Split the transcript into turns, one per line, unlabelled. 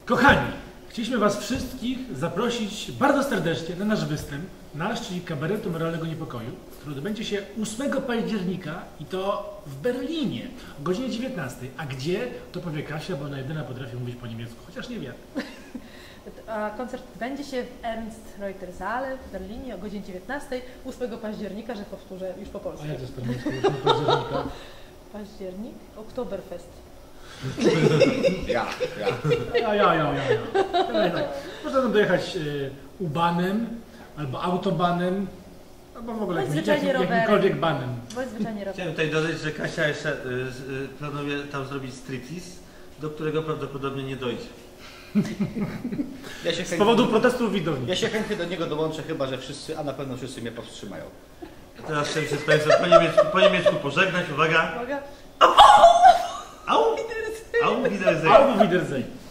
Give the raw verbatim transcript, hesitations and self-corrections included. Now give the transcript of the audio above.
Kochani, chcieliśmy Was wszystkich zaprosić bardzo serdecznie na nasz występ, nasz, czyli Kabaretu Moralnego Niepokoju, który odbędzie się ósmego października i to w Berlinie o godzinie dziewiętnastej. A gdzie? To powie Kasia, bo ona jedyna potrafi mówić po niemiecku, chociaż nie wiem.
A koncert odbędzie się w Ernst-Reuter-Saale w Berlinie o godzinie dziewiętnastej, ósmego października, że powtórzę już po polsku.
A jak to jest po niemiecku? ósmego października?
Październik? Oktoberfest.
Ja, ja.
Ja, ja, ja, ja. ja. Tak. Można tam dojechać y, U-banem, albo autobanem, albo w ogóle jakimś, jakim, jakimkolwiek banem.
Bądź zwyczajnie rowerem.
Chciałem tutaj dodać, że Kasia jeszcze y, y, planuje tam zrobić striptease, do którego prawdopodobnie nie dojdzie.
Ja się
Z
chętnie,
powodu protestów widowni.
ja się chętnie do niego dołączę, chyba że wszyscy, a na pewno wszyscy mnie powstrzymają.
A teraz chciałem się z Państwem po niemiecku, po niemiecku pożegnać. Uwaga!
Uwaga.
Au! Au Wiedersehen!
Albo Wiedersehen.